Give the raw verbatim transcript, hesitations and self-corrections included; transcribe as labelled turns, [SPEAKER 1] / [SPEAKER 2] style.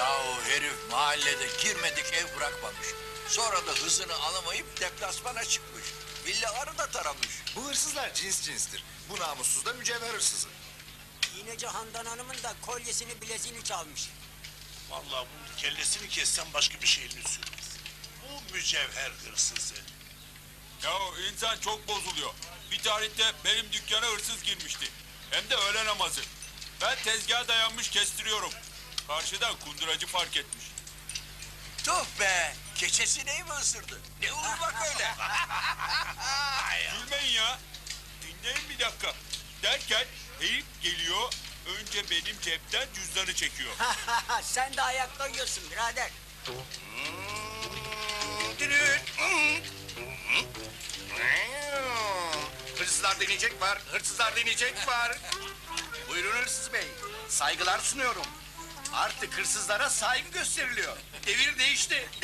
[SPEAKER 1] Yahu herif mahallede girmedik ev bırakmamış. Sonra da hızını alamayıp deplasmana çıkmış. Villaları da taramış.
[SPEAKER 2] Bu hırsızlar cins cinstir. Bu namussuz da mücevher hırsızı.
[SPEAKER 3] İğneci Handan Hanım'ın da kolyesini bileziğini çalmış.
[SPEAKER 4] Vallahi bunun kellesini kessen başka bir şeyini sürmez. Bu mücevher hırsızı.
[SPEAKER 5] Ya insan çok bozuluyor. Bir tarihte benim dükkana hırsız girmişti. Hem de öğle namazı. Ben tezgaha dayanmış kestiriyorum. Karşıdan kunduracı fark etmiş.
[SPEAKER 1] Tuh be! Keçesineyi mi ısırdı? Ne uyumak öyle?
[SPEAKER 5] Gülmeyin ya. Dinleyin bir dakika. Derken herif geliyor. Önce benim cepten cüzdanı çekiyor.
[SPEAKER 3] Sen de ayakta yiyorsun birader.
[SPEAKER 6] Hırsızlar deneyecek var, hırsızlar deneyecek var. Buyurun hırsız bey, saygılar sunuyorum. Artık hırsızlara saygı gösteriliyor. Devir değişti,